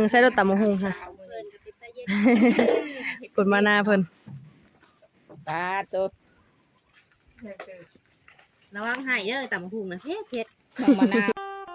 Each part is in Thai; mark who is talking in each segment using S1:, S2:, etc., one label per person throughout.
S1: ใส่รถตำบักหุ่งค่ะกดมาหน้าเพิ่น
S2: ปลาตัว
S3: ระวังหายเด้อตำหุ่งนะเผ็ด
S2: น้องมะนาว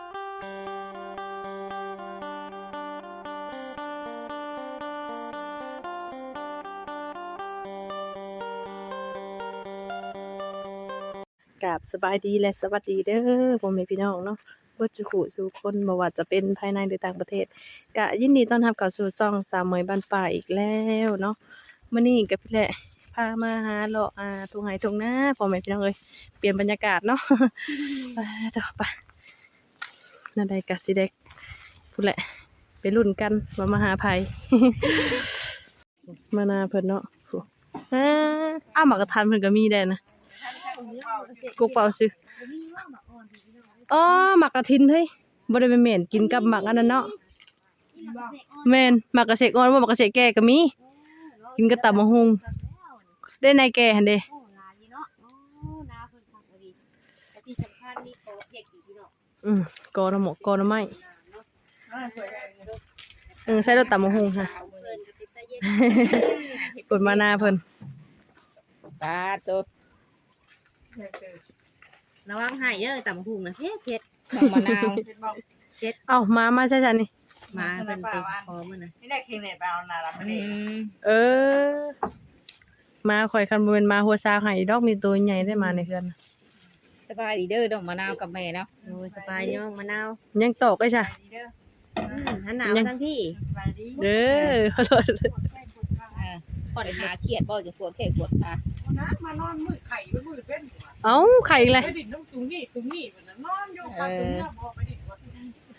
S1: กับสบายดีและสวัสดีเด้อพ่อแม่พี่น้องเนาะบ่จุขุสู่คนบ่ว่าจะเป็นภายในหรือต่างประเทศก็ยินดีต้อนรับเข้าสู่ช่องสาวเหมยบ้านป่าอีกแล้วเนาะมื้อนี้ก็พี่แหละพามาหาเลาะทุ่งไร่ทุ่งนาพ่อแม่พี่น้องเอ้ยเปลี่ยนบรรยากาศเนาะ ไปต่อไปนั่นใดก็สิได้พูดแหละไปลุ้นกันว่ามาหาไผ มานาเพิ่นเนาะฟูอ้าวหมากกระทันเพิ่นก็มีได้นะกุกเป่าซื้ออ๋อหมากกระทินเฮ้ยบ่ได้เป็นเหม็นกินกับหมากอันนั้นเนาะแม่นหมากกระเสกอ่อนบ่หมากกระเสกแก่ก็มีกินกับตำบักหุ่งได้ในแก่หั่นเด้กอน้ำหมกกอน้ำไม้ใส่รถตำบักหุ่งค่ะกดมาหน้าเพิ่น
S2: ปลาตัว
S3: ระวังหายเด้อตำหุ่งนะเผ็ด
S2: น้องมะนาว
S1: เอ้ามาใช่จันนี่
S3: มาเป็นไปพอมื้อน่ะ
S4: นี่ได้เค็มเนี่ยไปเอานาละมันนี่
S1: มาข่อยคันบ่แม่นมาหัวซาให้ดอกมีตัวใหญ่ได้มาในเฮือน
S2: สบายดีเด้อน้องมะนาวกับแม่เนาะ
S3: โอ้ยสบายเนาะมะนาว
S1: ยังตกได้จ้ะ
S3: หันหนาวทั้งที่
S1: เด้อขอโทษ
S2: ปอดหาเครียดบ่จะปวดแค่ปวดขา
S4: น้ำมานอนมือไข่ไปมือเป็นหัว
S1: เอ้าไข่อีกเลย
S4: ไปดินน้ำตุ้งนี่เหมือนนอนอยู่ปัดตุ้งนี่พอไปดินวัด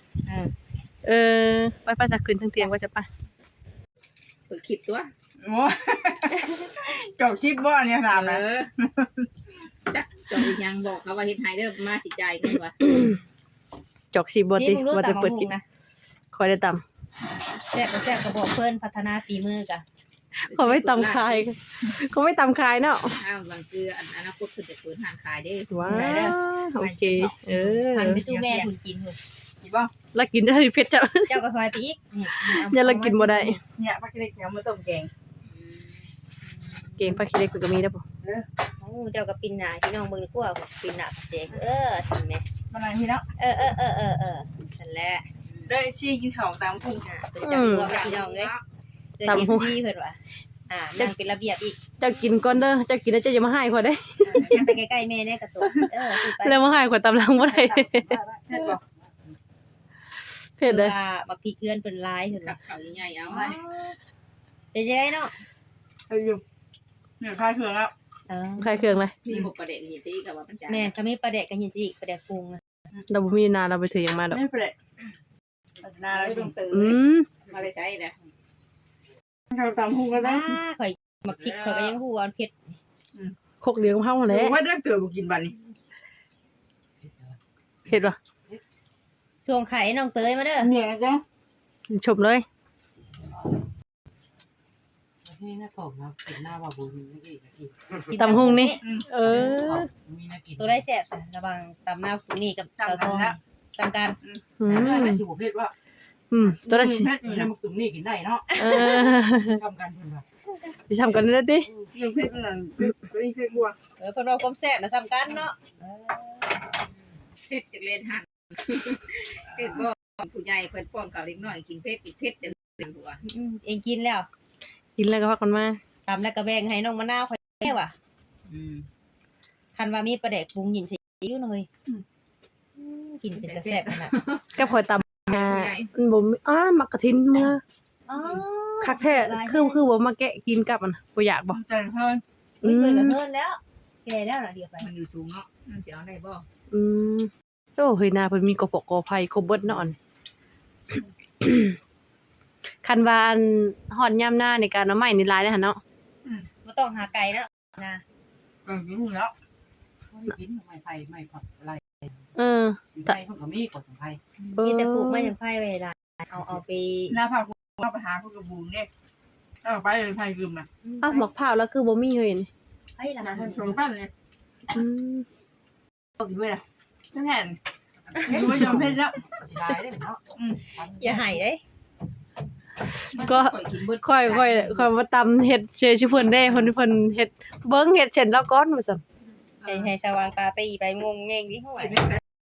S1: ไปจะขึ้นทั้งเตียงว่าจะไป
S2: เปิดคลิปตัว
S4: โอ้จบชิปบ่เนี่ยถามนะ
S2: จักจอกยังบอกเขาว่าเฮ็ดไฮเด้อมาสิจ่ายกันว่า
S1: จอกสีบติว่าจะเปิดกินคอยได้ต
S3: แซ่บก็บอกเพิ่นพัฒนาฝีมือกะ
S1: ำเขาไม่ตำคายเขาไม่ตำคายเนาะ
S2: อ้าวบางคืออนาคตเพิ่นจะเปิดร้านขายเด้
S1: ว้าวโอเค
S3: หันไปสู้แม่หุ่นกินหุ่น
S4: อีบ่
S1: แล้วกินได้เพชรจ้ะ
S3: เจ้าก็ซอยไปอีก
S1: อย่าเรากินบ่ได้
S4: เนี่ยปลาเล็กเนี่ยมาต้มแกง
S1: เก่งปลาขี้เล็กก็มีได้ป่ะ
S3: โอ้เจ้าก็ปินหน้าพี่น้องเบิ่งดีกว่าปินหน้าเจ๊ทำแม่
S4: มันอะไรพี่เนาะ
S3: นั่นแหละ
S4: ได้ชี้กินข้าวตามพุ่ง
S3: เป็นจังรวมพี่น้องเอ้ยตำหูซี่เพิ่นว่านั่งเป็นระเบียบอีก
S1: เจ้ากินก่อนเด้อเจ้ากินแล้วเจ้าอย่ามาให้ข่อยได้
S3: ยังไปใกล้ๆแม่แน่กระตุก
S1: แล้วมาให้ข่อยตำลังบ่ได้เผ็ดเลย
S3: บักพริกเกลือนเป็นลายเพิ่น
S2: กั
S3: ว่า
S2: บข้าวใหญ่ๆเอา
S3: เป็นจังได๋เนาะ
S4: ไปอยู่เนี่ยคลายเครื่องแล้ว
S1: ใครเครื่องเลย
S2: มีบ่ประเด็นเฮ็ดสิก็ว่ามันจ่าย
S3: แม่ก็มีปลาแดกกันยินสิปลาแดกปรุง
S1: เราบ่มีนาเราไปถือยังมาดอก
S4: ไม่เป็นไรนาแล้ว
S2: ต้องตื่นมาได้ใช้นะ
S4: ข้าวตามพุ่งก็ได้
S3: ข่อยบักพริกข่อยก็ยังฮู้ว่าเผ็ด
S1: โคกเลี้ยงเฮาแหละ
S4: ว่าได้เตือบุกินบันนี่
S1: เผ็ดป่ะ
S3: ส่วงไข่น้องเตยมาเด้อ
S4: เนี่ยจ้ะ
S1: ชมเลย
S5: นี่น่าตกนะเป็นหน้าว่าบุญไม่กี่นาที
S1: ตำหุงนี่เออ
S5: มีน่ากิน
S3: ตัวได้แซ่บซะระวังตำหน้าตัวนี้กับเตาทองสำคัญ
S5: น่าชิวเพศว่า
S1: ตัวละสิ
S4: เพชรอยู่
S5: น้ำ
S4: นะ
S5: มุกตุ่มนี่กินได้เนาะทำกันเพื่อนว่า
S1: สิทำกันได้ติ
S4: เพชรนั่นเพชรบัว
S3: เพิ่นว่าความแซ่บน่ะสำคัญเนาะ
S2: เผ็ดจักเล่นหั่นเผ็ดบ่ผู้ใหญ่เพิ่นป้อนกับเล็กน้อยกินเผ็ดอีกเผ็ดจังเป็นหัว
S3: เองกินแล้ว
S1: กินแล้วก็พักกันมา
S3: ตำแล้วก็แบ่งให้น้องมะนาวข่อยแม่ว่ะคันว่ามีปลาแดกปรุงยินสิอยู่หน่อยกินเป็นตาแซ่บขนาด
S1: กับข่อยตำบ่มีมักกะทินเมื่อ
S3: อ๋อ
S1: คักแท้คือบ่มาแกะกินกับมันบ่อยากบ่
S4: ใจเพิ่น
S3: เพิ่นก็เพิ่นแล้วแก่แล้วน่ะเดี๋ยวไป
S2: มันอยู่สูงเนาะมันสิเอาได้บ่
S1: โอ้เฮ้ยนาเพิ่นมีกระปกกอไผ่ครบเบิดเนาะอัน คันว่าอันฮอดยามหน้าในการเอาไม้นี่หลายเด้อหั่นเนาะ
S3: บ่ต้องหาไก่แล้วนะ
S4: กินแล้ว
S5: กินไม่ไฟไม่ผักอะไร
S1: ถ้า
S5: ไฟเขาก็มีกดของไฟ
S3: มีแต่ปลูกไม้อย่างไผ่ไว้ได้เอาไป
S4: หน้าผากว่าไปหาพวกกระบุงเนี่ยเอาไปเลยพายลืมนะ
S1: อ้าวหมกพร้าวแล้วคือบ่มีเฮ้ยนี่
S3: ไอ้ล่ะ
S4: ชมปั้นเลยกินด้วยนะจังไงไม่ยอมเพชรแล้ว
S5: ลายได้เนาะ
S3: อย่าให้เด้
S1: ก็
S2: ข่อยกินเบิด
S1: ค่อยมาตำเฮ็ดเชยชื่อเพิ่นเด้เพิ่นเฮ็ดเบิ่งเฮ็ดเช่นแล้วก่อนว่าซั่น
S3: ให้สว่างตาตีไปงงเงงดิเฮาว่า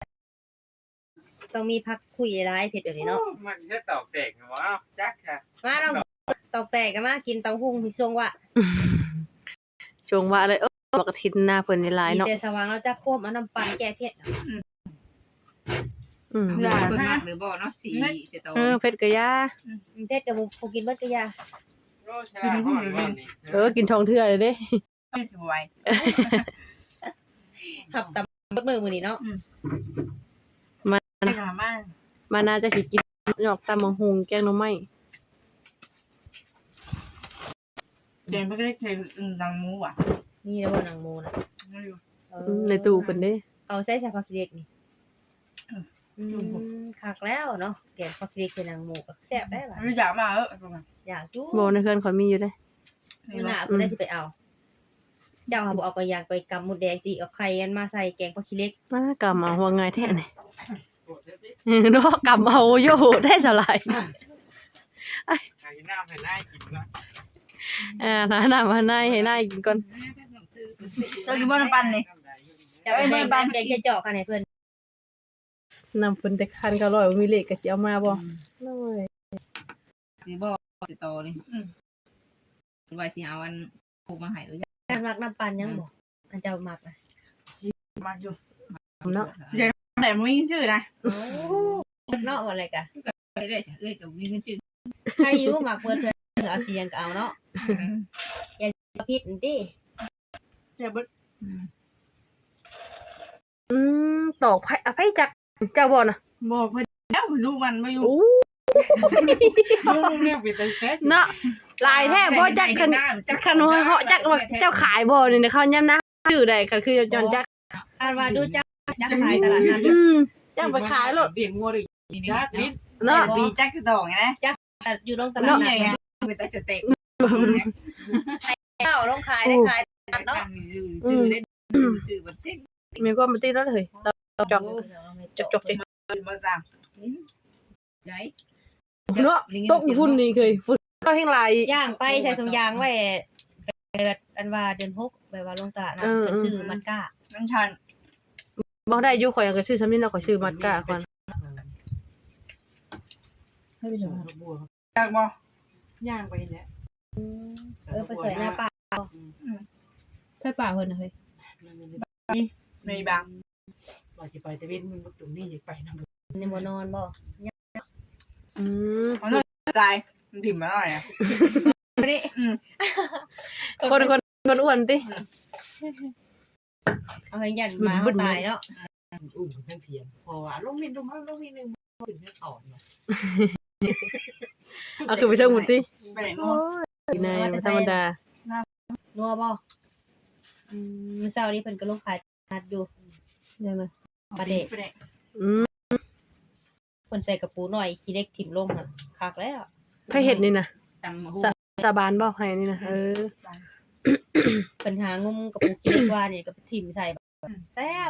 S3: ต้องมีพักคุยหลายเผ็ดแบบนี้เนาะ
S5: มันจะตอกแตกนะวะจักค่ะ
S3: มาน้องตอกแตกกันมากินเต้าหู้ที่ช่วงว่า
S1: ช่วงว่าเลยบักกะทินหน้าเพิ่นนี่หลาย
S3: มี
S1: เนาะ
S3: แต่สว่างแล้วจักควบเอาน้ำปั่นแก้เผ็ด
S1: อืม
S2: เพิ่นมากหรือบ่เนาะสีสิโต
S1: เผ็ดกะยา
S3: เผ็ดกับบ่กินเบิดก็ยา
S5: โลชนะห้อนวันนี้
S1: กินช่องเทื่อเลยเด้
S4: ไม่สวย
S3: ขับตำเบิดมื้อนี้เนาะ
S4: ไม่หามาก
S1: มาน่าจะสิกินหยอกตำบักหุงแกงหน่อไม้
S4: เจนไม่ได้เคยดังมูอ่ะ
S3: มีแล้วบ่นางหมูน่ะ
S4: ไม่รู้
S1: ในตู้เพิ่นเด้
S3: เอาใส่ผักขี้เหล็กนี่คักแล้วเนาะแกงผักขี้เหล็กใส่นางหมูก็แซ่บได้ล่ะ
S4: ไม่อยากมาประมาณ
S3: อยากจู้
S1: บ่ในเพื่อนข่อยมีอยู่เด้
S3: มื้อหน้าเพิ่นได้สิไปเอา เจ้าหาบ่เอาก็ย่างไปกำหมดแดงสิเอาไข่อันมาใส่แกงผักขี้เหล็ก
S1: มากำเอาหัวง่ายแท้นี่เนาะกำเอาโยได้สลาย
S5: ไอ้น้ำให้ได้กินนะ
S1: น้ำมาให้นายกินก่อน
S4: เรากินบ้านปันนี่
S3: เจ้าไปบ้านแกงแค่เจาะกันให้เพิ่น
S1: น้ำเพิ่นแต่คันก็ร้อยมีเลขก็สิเอามาบ่น้อย
S2: สิบ่สิโตนี่ว่าสิเอาอันผูกมาให้หรือ
S3: การมักน้ำปั่นยังบ่อันเจ้ามักน่ะ
S4: มาอยู่
S1: เนาะ
S4: แต่ไม่มีชื่อนะ
S3: โอ้เนาะอะไรกะ
S2: ได้สิเอ้ยกับมีเงินชื่อ
S3: ใครอยู่มักเพิ่นเอาสิยังก็เอาเนาะผิดติ
S4: เสียบึ้
S1: ตอกไผอภัยจักเจ้าบ่น่ะ
S4: บอกเพื่อนแล้วลูกมันไม่อยู่
S1: อู้
S5: ลูกเรียกไปแต่แท้
S1: เนาะลายแท้บ่จักคันเหาะจักว่าเจ้าขายบ่นี่เขาย่ำนะชื่อใดคันคือจอนจัก
S3: คาดว่าดูจักขายตลาดนัด
S1: จักไปขายโลด
S5: เดี่ยงงัวดิ
S2: นี่
S5: จักนิด
S1: เนาะ
S4: ปีแจ็คคือต่อไงนะ
S3: อยู่ตรงตลาดนัด
S2: เป็นแต่สเต็ก
S3: เจ้าลงขายได้ขายตลาดเนาะ
S2: ชื่อได้ชื่อบัดซิ่ง
S1: มีความบ่ติดแล้วเลยจอกจอกจิ
S4: มาจ้าง
S2: ใจ
S1: เนาะตกพุ่นนี่เคยพุ่นก็แห่งหลาย
S3: ย่างไปใส่ถุงยางไว้อันว่าเดือน6แบบว่าลงตลาดนัดเพิ่นซื้อมันก้า
S4: น้ำชัน
S1: บ่ได้อยู่ข่อยก็ซื้อซ้ำนี่เนาะข่อยซื้อมัดกะก่อน
S5: ให้ไปส่งบัว
S4: อยากบอก
S5: ย่างไปเนี่ย
S3: ไปใส่หน้าป่า
S1: ไผป่าเพิ่นน่ะเฮ้ย
S4: ไม่บาง
S5: ว่าสิไปแต่เว้นมึงตรงนี้อยากไปนำ
S3: ในบ่นอนบ่
S4: ใจมันถิ่มมาหน่อยอ่ะ
S1: คนอ้วนติ
S3: เอาให้ยันมาตายเนาะ
S5: อุ้มเพิ่นเถียงพอว่าลงมินดูมาลงมินนึงขึ้นไปสอนเนาะ
S1: เอาคือไปเทิงพุ่นติ
S4: ไปไหนนู้น
S1: นายธรรมดา
S3: นัวบ่มื้อเช้านี้เพิ่นก็ลงขายนัดอยู่
S1: ยังไง
S3: ปลาเดะ
S4: ไปไหน
S3: เพิ่นใส่กระปูหน่อยขี้เล็กถิ่มลงอ่ะคักแล้ว
S1: ไผเฮ็ดนี่น่ะ
S2: ตำหู
S1: ตาบานบ่ให้นี่น่ะ
S3: เพิ่นหางุมกระปูขี้เล็กว่านี่ก็ถิ่มใส่แบบแซ่บ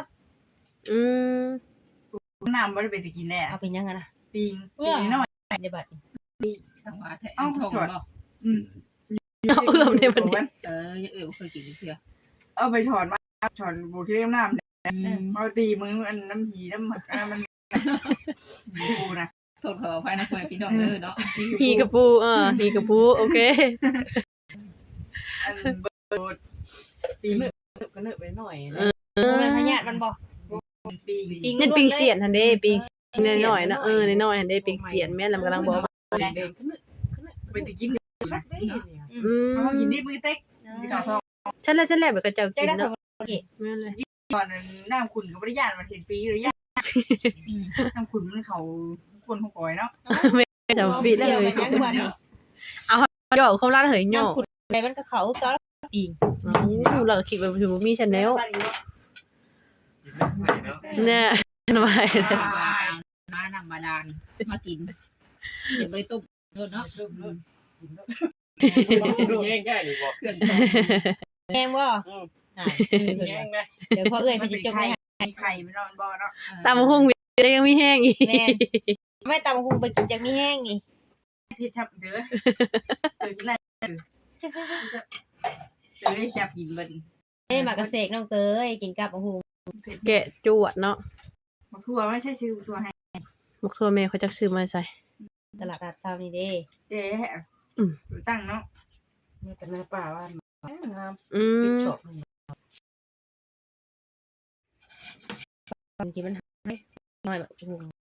S4: น้ำไม่ได้ไปกินแน่
S3: เอาเป็นยังไงนะ
S4: ปิงหน่อย
S3: ในบัดนี้
S2: สังวาแท้ทองบ่
S1: เอาเอื้อมในมันนี้
S2: เคยกินเชื่อ
S4: เอาไปถอนมาถอนบูที่เล่มน้ำเอาตีมืออันน้ำหีน้ำหมักมันดูนะ
S2: โทษขออภัยนะคุยพี่น้องเนาะ
S1: ฮีกระปูฮีกระปูโอเค
S4: อันเบิร์ด
S5: ปีเนอะก็เนอะไปหน่อยนะ
S3: มันพญาติมันบ่
S4: ปิง
S1: นั่นปิงเสียนหั่นเด้ปิงน้อยๆนะน้อยๆหั่นเด้ปิงเสียนแม่นแล้วมันกำลังบอก
S5: เด็กก็เนอะ
S4: ไปตะกิน
S5: ชักได้เนี่ย
S4: เขากินที่มือเต็กที่เขาทอง
S1: ฉันแล้วแบบก็เจ้า
S3: ใจ
S1: กิน
S3: ได้
S1: เนาะ
S3: ของ
S1: แม่นเลย
S4: ตอนน้ำขุนกับบริยานมันเห็นปีหรือยาน้ำขุนมันเขาคนของก่อยเนาะ
S1: เจ้าปีแล้ว
S3: เดียว
S1: เล
S3: กั
S1: ย
S3: นยังวันนี้
S1: ย่อความร้านเหยย่อ
S3: น้ำขุดไปมันก็เขาก็ปิง
S1: เราคิดว่าคือบ่มีชาแนลเนี่ยทำไม
S2: น้ำบาดาลมากินเดี๋ยวไปต้มเนาะ
S5: ดูแย่งได้หรือบ่
S2: เครื่อง
S3: แห้งบ่
S5: แย่งได้
S3: เดี๋ยวพอเอ้ยมันจะจงให้
S4: ไข่ไม่นอนบ่เนาะ
S1: ตามหุ้งยังมีแห้งอีก
S3: แม่ไม่ตำหุงไปกินจากมีแห้งนี่
S4: เพชรชับเด้อกินไรจับกินเบิ่น
S3: หมากกระเสกน้องเตยกินกับหู
S1: แกะจวดเนาะ
S4: มาทั่วไม่ใช่ชื่อตัวให้
S1: บ่คือว่าแม่เขาจักซื้อมาใส่
S3: ตลาดนัดเช้านี่เด้
S4: เจ๊ตั้งเนาะ
S5: นี่เป็นหน้าป่าว่านงาม
S1: อื
S5: ปิด
S1: ม
S5: ช็อป
S3: มันกินมันน้อยแบบหู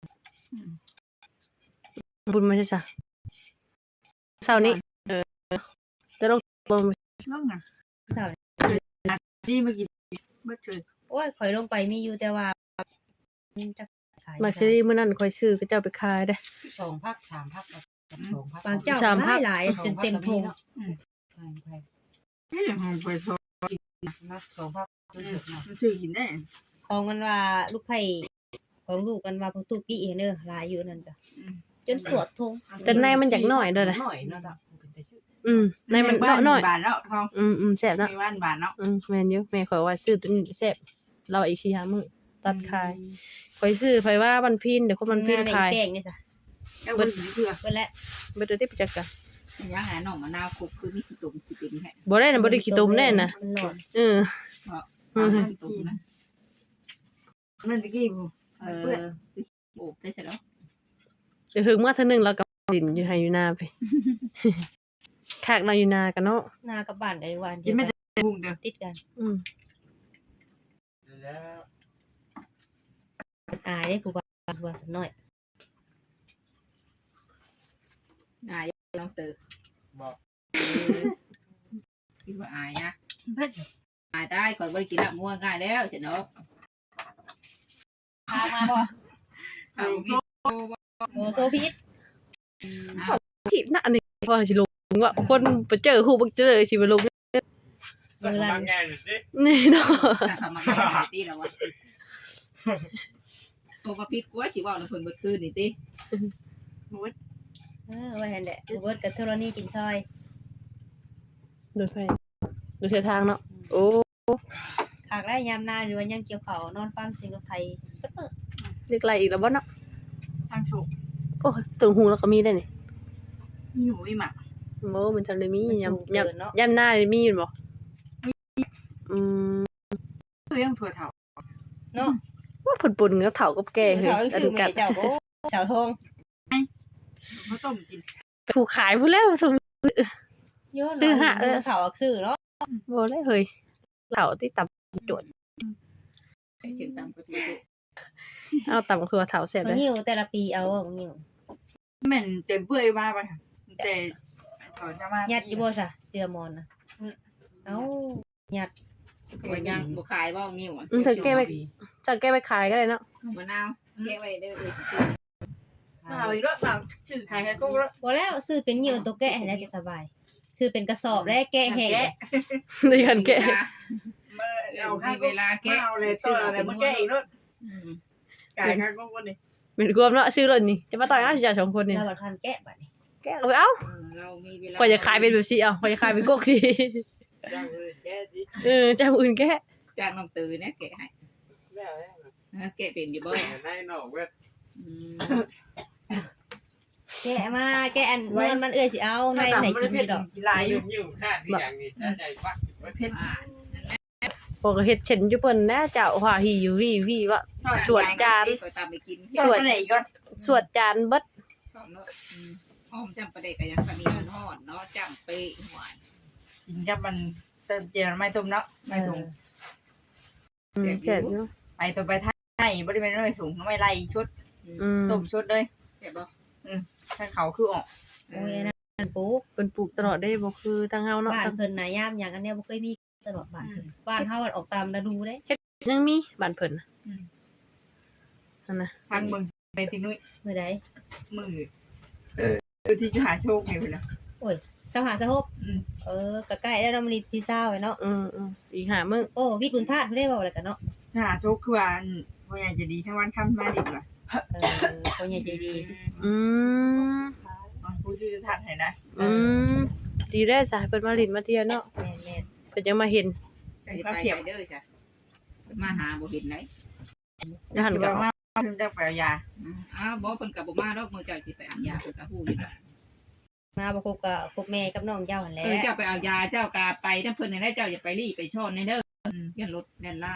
S1: บุญมาใช่จ้ะเช้านี้จะลงบ่
S4: น้องอ่ะ
S3: เช้า
S4: จี้มากินเบิดเฉย
S3: โอ้ยข่อยลงไปมีอยู่แต่ว่าจักขาย
S1: มาซีรีส์มื้อนั้นค่อยซื้อก็เจ้าไปขายได้
S5: 2 พัก 3 พัก2 พัก
S3: บางเจ้าหลายจนเต็มทง
S5: ใช่ใช่
S4: นี่ห้องไปโซ
S5: นัก2 พักคือเยอะนะ
S4: มันซื้อกินได้
S3: ของกันว่าลูกไผ่ของลูกกันว่าพวกตุกี้เด้อหลายอยู่นั่นก็จนสวดทง
S1: แต่ในมันอยากน้อยเด้อนะ
S5: หน่อยเนาะเป็นแต่ชื่อ
S1: ในมันน้อย
S4: บาทแล้วทอง
S1: แซ่บเนาะ
S4: มีบ้านบาทเนาะ
S1: แม่นอยู่แม่ข่อยว่าซื้อตัวนี้แซ่บเราอีก4-5มื้อตัดขายข่อยซื้อไผว่าวันพินเดี๋ยวคนวันพินขาย
S3: แป้งนี่จ้ะ
S4: แล้วคนเพื่อ
S3: เพิ่นแหละ
S1: บ่ได้ไปจักกัน
S2: ยังไงน้องมะนาวคุกคือมีขี้ตุ่มขี้เป็นแค่
S1: บ่ได้น่ะบ่ได้ขี้ตุ่มแน่น่ะ
S3: มันหลอด
S1: เออ
S2: ขี้ตุ่มนะ
S4: นั่นตะกี้ผู้
S2: โอ้ได้เสร็จแล้ว
S1: เดี๋ยวถึงมาเทื่อนึงแล้วก็ดินอยู่ให้อยู่นาไป คักนาอยู่นากันเนาะ
S3: หน้ากับบ้านได้วัน
S4: กินไม่ได้พุงเด้อ
S3: ติดกัน
S5: แล้ว
S3: อายได้ผู้ว่าสักหน่อย
S2: นายลองตื่น
S5: บอก
S2: คิดว่าอายนะอายได้ก่อนบริกินละงัวง่ายแล้วเสร็จเนาะ
S3: พามาบ่
S2: เอากิน
S3: โอ้โทรพิษ
S1: ที่น่ะอันนี้ว่าสิลงว่าคนไปเจอฮู้บ่เจอสิไปลง
S3: มือลั่น
S1: นี่เนาะ
S2: ทำมาได้ตีแล้ววะตัวมาพิษกว่าสิว่าเราเพิ่นเบิดคืนนี่ติ
S3: ว่าหั่นแหละเบิดกับเทอร์นี่กินซอย
S1: โดยไฟโดยเส้นทางเนาะโอ้
S3: ขากได้ยามนาหรือว่ายังเกี่ยวเขานอนฟังเสียงรถไทยเปิด
S1: เรียกไรอีกแล้วบ่เนาะ
S4: ทางโชค
S1: โอ้ตึงหูแล้วก็มีได้นี่
S4: นี่หูอีหมา
S1: โอ้มันทันได้มี
S3: มัน
S1: ยาม
S3: สูงเกินเนาะ
S1: ยามหน้าได้มีอยู่บ่ม
S4: คือยังถั่วเถา
S3: เนาะ
S1: ว่าผลปุ่นกับเฒ่ากับแก่เฮ้ย
S3: เขา
S1: อะ
S3: ชื่
S1: ดู
S3: อ
S1: กั
S3: แม่
S1: น
S3: เจ้าก็สาวทง
S4: เขาต้มกิน
S1: ผู้ขายผู้แล้วสม
S3: โยน
S1: ซื้อหา
S3: สาวอักซื้อเนาะ
S1: บ่ได้เฮ้ยเฒ่าที่ตับจด
S2: เสียงตามกระตุ้น
S1: เอาตับคือว่าเฒ่าแซ่บ
S3: มั
S1: เล
S3: น
S1: ย
S3: หิวแต่ละปีเอาอ่ะมันหิว
S4: แม่นเต็มเปื่อยมาไปค่ะแต่ต่อจะมา
S3: ยัดอยู่บ่ซะเสื้อมอนนะเอ้ายัด
S2: ตัวยังบ่ขายบ่งิ้วอ่ะ
S1: เธอแก้ไปจะแก้ไปขายก็ได้เนาะ
S2: มะนาวแก้ไว้เด้อ
S4: เอาอีกแล้วเราชื่อใครใครก็แล้ว
S3: บ่แล้วซื้อเป็นหิวตัวแกะให้แล้วจะสบายซื้อเป็นกระสอบแล้วแกะแห้ง
S1: ในการแก้
S4: มาเอา
S2: มี
S4: เว
S2: เว
S4: ลา
S2: ลา
S4: แก้
S2: แก้
S4: เอาเลยต่ออะไรมาแก้อีกแล้วกายใครก็คนนี้
S1: เป็นรวมเนาะซื้อรถนี่จะมาต่อยเอาสิจ้าสองคนนี่
S3: แล้วบัดคันแกะบัดนี้
S1: แก้เอาไปเอ้า
S2: เรามีเวลา
S1: ก็จะขายเป็นแบบสิเอาก็จะขายเป็นกกสิ
S5: จ้างเลยแก้ดิ
S1: เจ้าอื่นแก้
S2: จากน้องตื่นเนี่ยแกะให้
S5: แล้ว
S2: แกะเป็นอยู่บ่
S5: ได้หนอกเว้ย
S3: แกะมาแกะอันเงินมันเอื้อยสิเอาในไหนกินอยู่ดอก
S4: กีฬาอยู่
S5: ยิ้วข้างที่อย่างนี้น่าใจปัก
S4: เพชร
S1: พวกก็เฮ็ดเช่นอยู่เปิ้นนะเจ้าว่าหิววิว่า สวดจาน
S2: ก็ตามไปกิน
S4: สวดไหนก็
S1: สวดจานเบิด
S2: หอมจำประเด็กก็ยังก็มีห่อนเนาะจำเป๊ะหวาน
S4: กินกับมันเติมเจียวไม่ต้มเนาะไม่ถุง
S1: แซ่บอยู่
S4: ไปตัวไปไทยบริเวณไม่ถุงไม่ไล่ชุด ต้มชุดเลย
S2: เสียบ่
S4: ถ้าเขาคือออก
S3: โอ้ยนั่นปุ๊บ
S1: เพิ่นปลูกตลอดได้บ่คือทางเฮาเนาะ
S3: บ้านเพิ่นน่ะยามหยังอันเนี้ยบ่เคยมีตลอดบ้านเพิ่นบ้านเฮามันออกตามฤดูเด้
S1: ยังมีบ้านเพิ่นน่ะนั่นน่ะ
S4: ทางเมืองไปตินุ้ย
S3: มื้อใด
S4: มือที่จะหาโชคเนี่ยนะ
S3: โอ้ยสหสหบก็ใกล้แล้วเนาะมันที่เช้าไว้เนาะ
S1: อีก5มื้อ
S3: โอ้วิทย์บุญธาตุเพิ่นได้เว้าแล้วกันเนาะ
S4: จะหาโชคคือว่าพ่อใหญ่จะดีทั้งวันค่ำมาดีกว่า
S3: คนใหญ่ใจดี
S1: อืม
S4: ผู้ชื่อจะทัดให้นะ
S1: ดีแล้วจ้ะเพิ่นมาลิ้นมาเที่ยวเนาะ
S3: แม่น
S1: เพิ่นยังมาเห็น
S2: ไปเด้อจ้ะมาหาบ่เห็นไหน
S1: แล้วหันกลับ
S4: มาเพิ่งจะไปเอายา
S2: บ่เพิ่นก็บ่มาดอกมื้อเจ้าสิไปอันยาเพิ่นก็ฮู้อยู่ดอก
S3: มาบ่คบกับคบแม่กับน้องเจ้าหั่นแหละ
S2: เจ้าไปเอายาเจ้ากาไปถ้าเพิ่นได้เจ้าอย่าไปรีไปชอนในเด้อยันรถแล่นล่า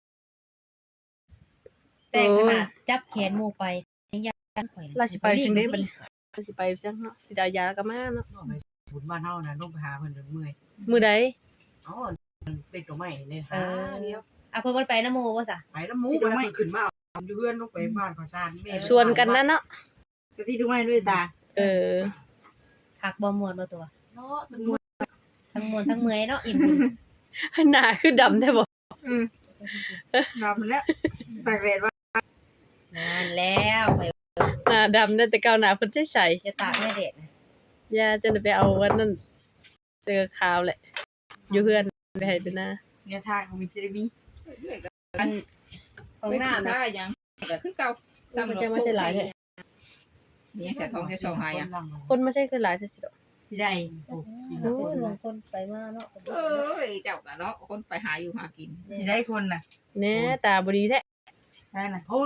S3: แต่ขนาดจับแขนหมู่ไปยังอยากข่อย
S1: ราสิไปจังได๋บัดนี้ราสิไปจังเนาะสิได้เอายาแล้วก็มาเนาะ
S5: ก็ไปบุญบ้านเฮานะลงไปหาเพิ่นจนเมื่อย
S1: มื้อใด
S5: อ๋อมันติดกับไม้ในหาเดียว
S3: อ่ะเพิ่นบ่ไปนำหมู่บ่ซะ
S5: ไปแล้วหมูไปแล้วเพิ่นขึ้นมาเอาอยู่เพื่อนลงไปบ้านขอซานแม่
S1: ชวนกันนะเนาะ
S4: กะที่ดูไม้ด้วยตา
S1: เออ
S3: คักบ่ม่วนบ่ตัว
S5: เนาะมันมวน
S3: ทั้งม่วนทั้งเมื่อยเนาะอิ่มบุญ
S1: หน้าคือดำแท้บ่
S4: นำแล้วตากแดดว่า
S3: นั่นแล้วไป
S1: หน้าดำได้แต่เก่าหน้าเพิ่นใส
S3: จะตากแม่เด็ดนะ
S1: ๆยาจนได้ไปเอาวันนั้นเจอข่าวแหละ อยู่เพื่อนไปให้เป็นหน้า
S4: เนี่ยทางของมิสซิลีบี
S3: อันของน้ำ
S2: ได้
S3: นะ
S2: ยังก็คือเก่า
S1: มันจะไม่ใช่หลายแท้
S2: นี่ใส่ทองใส่ทองหายอ่ะ
S1: คนไม่ใช่คือหลายซื่อๆดอก
S4: ที่ได้
S3: โอ้ยบางคนไปมาเนาะ
S2: เอ้ยเจ้าก็เนาะคนไปหาอยู่หากิน
S4: ที่ได้คนน่ะ
S1: แหน่ตาบ่ดีแท้
S4: ได้น่ะ
S5: พุ่น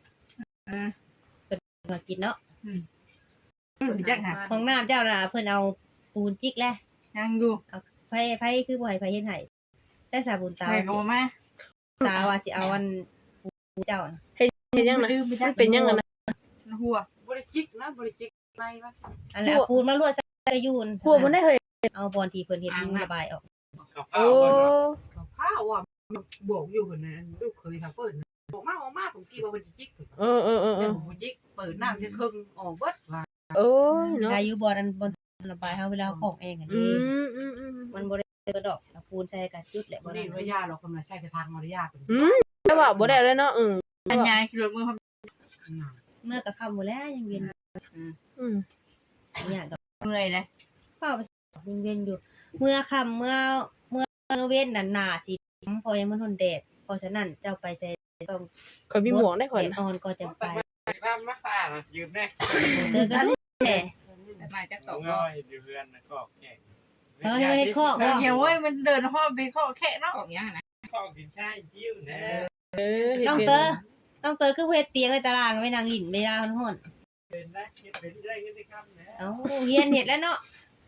S3: มากินเนาะ
S4: รู้จักหา
S3: ของน้ำเจ้าน่ะเพิ่นเอาปูนจิกแหละ
S4: ยังอยู่
S3: ไผคือบ่ให้ไผเฮ็ดให้แต่สาบุญตา
S4: ใครก็บ่มา
S3: ตาว่าสิเอาอันปูเจ้าน่ะ
S1: เฮ็ดยังนะมันเป็นยังไงนะ
S4: หัว
S5: บ่ได้จิกนะบ่ได้จิกไม่วะ
S3: อันแหละเอาปูนมาลวดใส่ยูน
S1: พวกมันได้เฮ้ย
S3: เอาบอนที่เพิ่นเฮ็ดอยู่ระบายออก
S5: กับ
S1: โอ้
S5: ข้าวว่าบอกอยู่คนนั้นลูกเคยทำเปิดบอกมาออกมาผมกี่ว่ามันจิก
S1: เออ
S5: แต่ผมจิกเปิดน้ำจะครึ่งออกเบิดว่า
S1: โอ้ยเนาะ
S3: ได้อยู่บอนอันบอนระบายเฮาเวลาเอาของเองอัน
S1: อื
S3: นี้
S1: ม
S3: มันบ่ได้กระดอกเอาปูนใส่กระจุดแหละ
S5: บ่
S3: บ่
S5: ได้
S3: ได้
S5: ว่ายาเราคนมาใช้กระทางมารยาเป็น
S1: แต่ว่าบ่ได้แล้วเนาะ
S4: อันยายขี่รถมือเขา
S3: เมื่อก็ค่ำหมดแล้วยังเวียน
S1: อืม
S3: เนี่ยดอก
S4: เมื่อยเลย
S3: เฝ้าไปยังเวียนอยู่ เมื่อค่ำเมื่อเว้นน่ะหน้าสิพอยังมันทนแดดเพราะฉะนั้นเจ้าไปใส่ต้อง
S1: ข่อยมีหมวกได้ข่อย
S3: แดด
S1: นะ
S3: อ่อนก็จะไป
S5: น้ำมาป่ายืมแน่
S3: เจอกันแหละ
S2: มาจากตก
S5: ง่อยอยู่เพื่อนก็แก่ง
S3: เฮ้ยเฮ็ดข้อบ่
S4: เดี๋ยวเว้ยมันเดินห้อไปข้อแค่เนาะ
S2: ออกยังนะ
S5: ข้าวกินใช่ยิ้วนะ
S3: ต้องเตอคือเฮ็ดเตียงไว้ตารางไว้นางหินเวลามันฮ้อน
S5: เป็นได้เป็นได้ก็ได้ครับนะ
S3: เอ้าเฮียนเฮ็ดแล้วเนาะ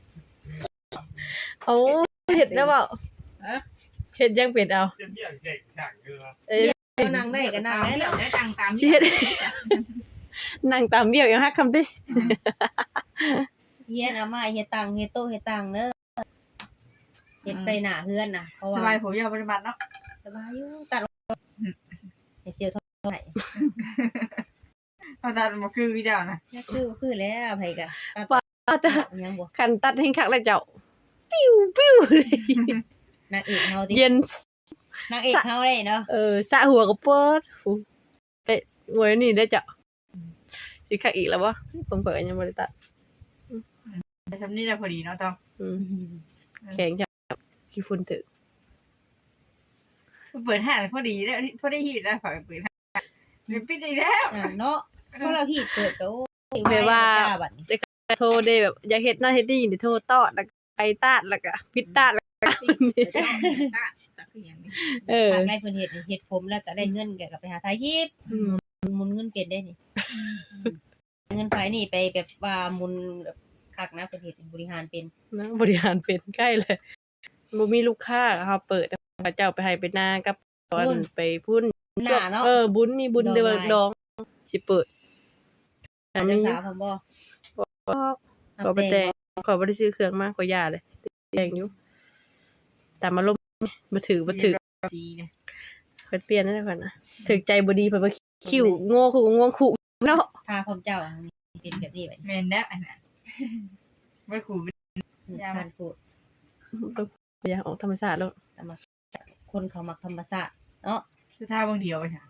S1: เอาเฮ็ดแล้วเปล่าเฮ็ดยังเป็นเอา
S5: จะเบี้ยเจ๊งสั่งเกลือ
S1: เอ้ย
S3: เอานั่งได้ก็นั่งได้
S2: เดี๋ย
S3: เนาะ
S2: วได้ตังตาม
S1: สิเฮ็ดนั่งตามเบี้ยวยังฮักคำติ
S3: เฮียนเอามาเฮ็ดตังเฮ็ดโต๊ะเฮ็ดตังเด้อเฮ็ดไปหน้าเฮือนน่ะเพราะ
S4: ส
S3: ว่า
S4: บายผมยาวปฏิบัติเนาะ
S3: สบายอยู่ตัดให้เสียวเท่าไหร่
S4: เอาตามาคือพี่เจ้านะ
S3: คือแล้วไผก็ตัดยังบ่
S1: คันตัดให้คักแล้วเจ้าปิ้วเลย
S3: นางเอกเฮาติ
S1: เย็น
S3: นางเอกเฮาได้เนาะ
S1: สะหัวก็เปิดเอ๊ะงวยนี่ได้เจ้าสิคักอีกแล้วบ่ผมเปิดยังบ่ได้ตัด
S4: แต่ทำนี่ได้พอดีเนาะต้อง
S1: อืมแข็งจังขี้ฝุ่นถึก
S4: เปิดห้างพอดีแล้วพอได้หีดแล้วฝากเปิดห้างปิดอีกแล้ว
S3: เนาะเพราะเราฮีดเกิดก็โอ้ย
S1: แบบว่า
S3: บัดนี้
S1: โทรได้แบบอยากเฮ็ดนั่นเฮ็ดนี่นี่โทรตอดแล้วก็ไปตาดแล้วก็พิดตาดแล้วก็
S2: ตักคืออย่างนี้
S3: ทางได้เพิ่นเฮ็ดผมแล้วก็ได้เงินก็ไปหาถ่ายคลิป
S1: อืม
S3: หมุนเงินเป็นได้นี่เงินไผนี่ไปแบบว่าหมุนแบบคักนะเพิ่นเฮ็ดบริหารเป็น
S1: นะบริหารเป็นใกล้เลยบ่มีลูกค้าเขาเปิดพระเจ้าไปให้ไปนากับตอนไปพุ่น
S3: หน้าเนาะ
S1: บุญมีบุญเดือนดองสิเปิดอัน
S3: เจ้า
S1: นี้
S3: สาวผมบ่
S1: ขอไปแต่งขอบ่ได้ซื้อเครื่องมาขอย่าเลยแต่งอยู่แต่มาลมบ่ถือ
S4: จีเนี่ย
S1: เพิ่นเปลี่ยนนั่นแหละนะถึกใจบ่ดีเพิ่นบ่คิ้วโง่คือโง่ขู่เนาะ
S3: พาผมเจ้าเป็นแบบนี้บัด
S4: แมนแล้วอันนั้นไม่ขู่
S3: ทานฟูด
S1: อย่าออกธรรมชาติแล้ว
S3: คนเขามักธรรมชาติเนาะ
S4: คือท่าบางเดียวไปค่ะ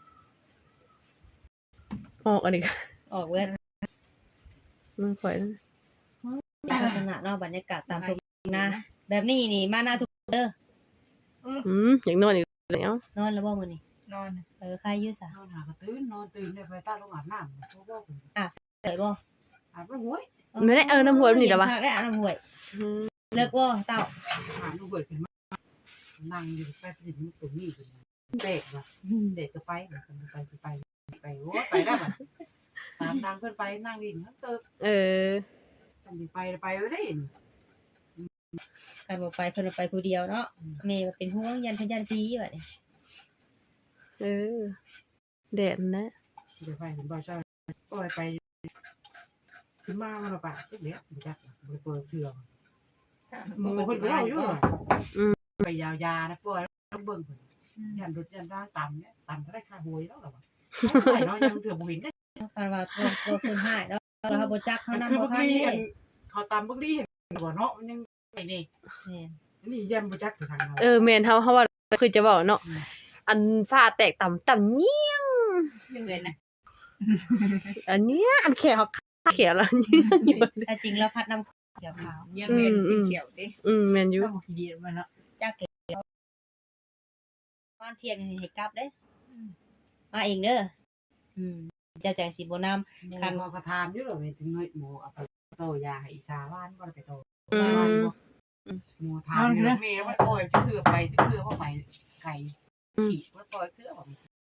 S1: ออกอันนี้
S3: ออกเว้น
S1: มันข่อย
S3: ลักษณะเนาะบรรยากาศตามทุ่งนาแบบนี้นี่มาหน้าทุกเด้อ
S1: อย่างนอนอีกแล้ว
S3: นอนแล้วบ่มื้อนี้
S4: นอน
S3: ใครอยู่ซะ
S5: นอนหากระตื้นนอนตื่นเนี่ยไปใต้ลงอาบน้ำเขาบอก
S3: ได้บ่
S5: อาบน้ำห้วย
S1: ไม่ได้น้ำหัวมันนี่ดอกวะ
S3: ได้อาบน้ำห้วยเลิกบ่เต้า
S5: อาบน้ำห้วยขึ้นมานั่งอยู่ใต้ดินตรงนี้เด็กว่ะเด็กก็ไปไปโอ้ไปได้ป่ะตามทางเพื่อนไปนั่งดินเติบ
S1: เออ
S5: ต้องสิไปไว้ได้
S3: กันบ่ไปเพิ่นว่าไปผู้เดียวเนาะแม่ว่าเป็นห่วงยันพยันผีบัดนี้
S1: เออแดดนะ
S5: เดี๋ยวไปเห็นบ่ใช่ปล่อยไปสิมามันเอาไปจักเด้บ่จักบ่เปิดเสื้อหมู่เพิ่นก็เว้าอยู่ไปยาวๆนะปล่อยต้องเบิ่งเพิ่นยันรถยันร่างต่ำเนี่ยต่ำก็ได้ค่าหวยแล้วล่ะว่าไปเนาะยังเถื่อบ่เห็นได้
S3: กันว่าตัวเพิ่นหายเนาะเราบ่จักเขานำ
S5: คือ
S3: บ่
S5: บ่
S3: ทัน
S5: ดี
S3: เด้
S5: เขาตามบ่ดีเห็นบ่เนาะมันยังไปนี่
S3: แม่น
S5: นี่ยันบ่จักอยู่ทางเรา
S1: แม่นเฮาว่าคือจะบอกเนาะอันฟ้าแตกต่ำเงี้ย
S2: ยังเงินนะ
S1: อันเนี้ยอันแขวแขวแล้ว
S3: แต่จริงแล้วพัดน้ำเขียวขาว
S2: ยังเงินสีเขียวดิ
S1: แม่นอยู่
S5: ต้องขี้ดีมันเนาะ
S3: จักแล้วบ้านเที่ยงให้กลับเด้มาเองเด้อเจ้าจังสิบ่นำ
S5: คันบ่ก็ถามอยู่แล้วนี่ถึงเงยหมูเอาไปโตยาให้อีสาบ้านบ่ได้ไปโต
S1: อืม
S5: บ้านบ่หมูถามอยู่แม่ว่าโอ้ยจะเถื่อไปจะเถื่อบ่ไปไก่ขี่ว่าปล่อยเถื่อบ่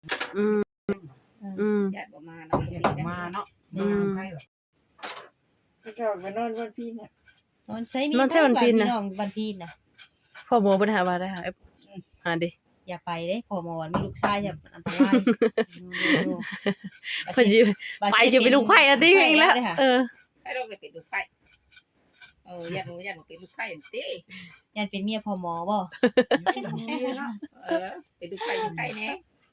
S2: ญาติบ่มาเนาะ
S5: เห็นมาเนาะมาใกล้แบบ
S4: ก็จะไปนอนวันพี่เนี่ย
S3: นอนใช้มี
S1: นอนใช้วันพีนน่ะ
S3: พี่น้องวันพีนน่ะ
S1: พ่อหมอบ่ได้หาว่าได้หาดิ
S3: อย่าไปเด้พ่อหมอมีลูกชายอย่าอันตราย
S1: เพิ่นสิไปสิเป็นลูกไผ่แล้วติเองแล้ว
S2: ให้เราไปเป็นลูกไข่ญาติบ่เป็นลูกไข่ติ
S3: ยันเป็นเมียพ่อหมอบ่
S2: เป็นลูกไข่ไข่แน่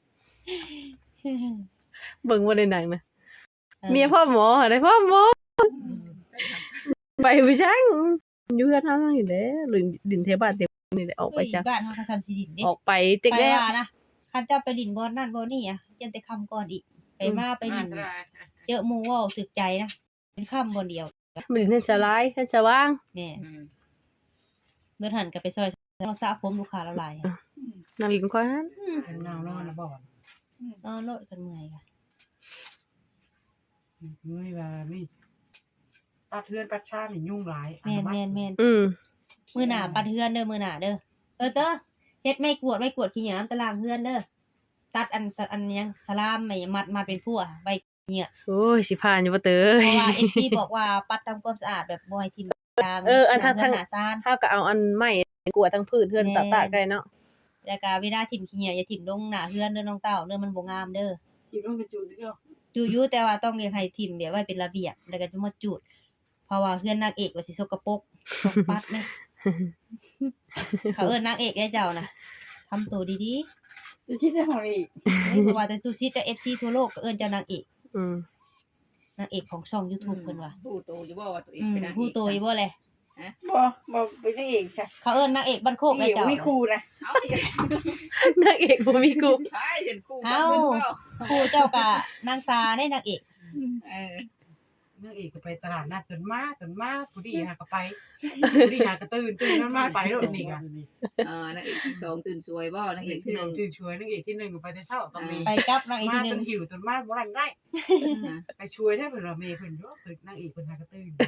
S1: เบิ่งบ่ได้หนังนะเมียพ่อหมอได้พ่อหมอไปบ่จังอยู่กันเฮาอยู่เด้หรือดินเทบ้านเทนี่แหละออกไปซะ
S3: บ้านเฮาก็ซ้ำสิดินเด้
S1: ออกไปเต็ก
S3: ไป
S1: แล้ว
S3: ว่านะคันเจ้าไปดินบ่นั่นบ่นี่อ่ะยันแต่คำก่อนอีกไปมาไปดินเจอหมู่เว้าถึกใจนะเป็นคำบ่เดียว
S1: มันนั่นจะร้ายนั่นจะว่าง
S3: แม่เมื่อหันก็ไปซอยเราสระผมลูกค้าเราหลาย
S1: นั่งลิ้นควาน
S5: เงานอนนะบ่
S3: นอนรถกันเมื่อยค่ะ
S5: นี่ว่านี่ปัดเทือนปัดชานี่ยุ่งหลาย
S3: แม่น
S1: อืม
S3: มื้อหน้าปัดเฮือนเด้อมื้อหน้าเด้อเด้อเฮ็ดไม่กวดขี้หยามตารางเฮือนเด้อตัดอันยังสลามไม่มัดเป็นพั่วไว้
S1: โอ้ยสิผ่านอยู่บ่เตย
S3: เพราะว่า FC บอกว่าปัดทำความสะอาดแบบบ่ให้ทิ่มยาง
S1: อันทาง
S3: หน้าซ่าน
S1: เฮาก็เอาอันไม้กวาดทั้งพื้นเฮือนตากๆได้เนาะ
S3: แล้วก็เวลาทิ่มขี้เหนียวอย่าทิ่มลงหน้าเฮือนเด้อน้องเต้าเด้อมันบ่งามเด้อ
S4: ที่ต้องไปจูดเดียว
S3: จูอยู่แต่ว่าต้องให้ทิ่มแบบว่าเป็นระเบียบแล้วก็จะมาจูดเพราะว่าเฮือนนางเอกว่าสิสกปรกต้องปัด นี่เขาเอิ้นนางเอกได้เจ้านะทำตัวดี
S4: จูชิดได้ของอีก
S3: ๆเพราะว่าแต่ตูชิดแต่ FC ทั่วโลกก็เอิ้นเจ้านางเอก
S1: อืม
S3: นางเอกของช่อง YouTube เพิ่นว่า
S2: ผู้โตอยู่บ่ว่าตัวเองเป็นนาง
S3: ผู้โตอยู่บ่แหละ
S4: บ่เป็นนางเอกใช่
S3: เขาเอิ้นนางเอกบ้านโคกได้เจ้า
S4: มีครูนะ
S2: เอา
S1: นางเอกบ่มีกู
S2: ใช่ฉันคู่
S3: ผู้เจ้าก็นางซาได้นางเอก
S5: นางเอกก็ไปตลาดนัดจนมาผู้ดีหาก็ไปผู้ดีหาก็ตื่นมันมาไปโลดนี่กัน
S2: นางเอกที่2ตื่นสวยบ่นางเอกที่
S5: ตื่นช่วยนางเอกที่1ก็ไปแต่เช้าก็มี
S3: ไปกับนางเอก
S5: มา
S3: ที่
S5: จน
S3: 1
S5: หิวจนมาบ่ทันได้ไปช่วยได้เพิ่นว่าแม่เพิ่นอยู่เพิ่นนางเอกเพิ่นหาก็ตื่น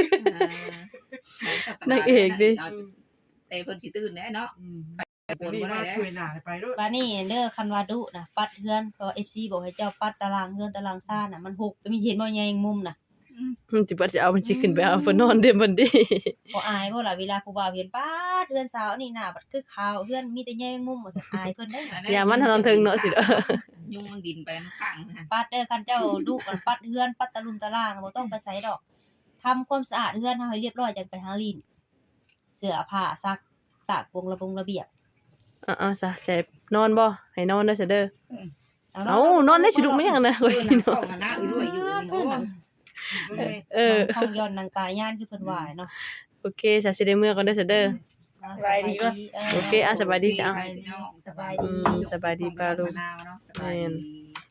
S1: นางเอกดิ
S2: แต่เพิ่นสิตื่นแน่เนาะ
S5: ไปนี่มาช่วยหน้าไปโลด
S3: บัดนี้เด้อคันว่าดุนะปัดเฮือนเพราะ FC บอกให้เจ้าปัดตารางเฮือนตารางซ่านน่ะมันหกมีเห็นบ่ใหญ่มุมน่ะ
S1: มันสิบ่จะเอามันสิขึ้นไปเอาเพิ่นนอนเด้บัดนี้
S3: บ่อายบ่ล่ะเวลาผู้บ่าวเห็นปัดเฮือนสาวนี่หน้าบัดคือขาวเฮือนมีแต่ใหญ่มุมบ่ซั่นอายเพิ่นได้
S1: อย่ามันนอนถึงเนาะสิเด้อ
S2: ยุงมันบินไปข้างนะ
S3: ปัดเด้อคันเจ้าดุมันปัดเฮือนปัดตะลุมตะล่างบ่ต้องไปไสดอกทำความสะอาดเฮือนเฮาให้เรียบร้อยจังไปหาลิ้นเสื้อผ้าซักตากวงระเบียบ
S1: ซะจะนอนบ่ให้นอนเด้อซะเด้อเอ้านอนได้สิลุกมั้ยยังนะเว้ย
S2: เข้ากันนะด้วยอยู่นี่
S3: ห้องย้อนนางตายย่านคือเพิ่นว่าเนาะ
S1: โอเคซะสิได้เมื่อก่อนเด้อซะเด้อ
S3: สบายดี
S1: โอเคสบายดีจ้ะ
S3: สบายดี
S1: สบายดีป้าลูก
S2: มะนาวเนาะสบายดี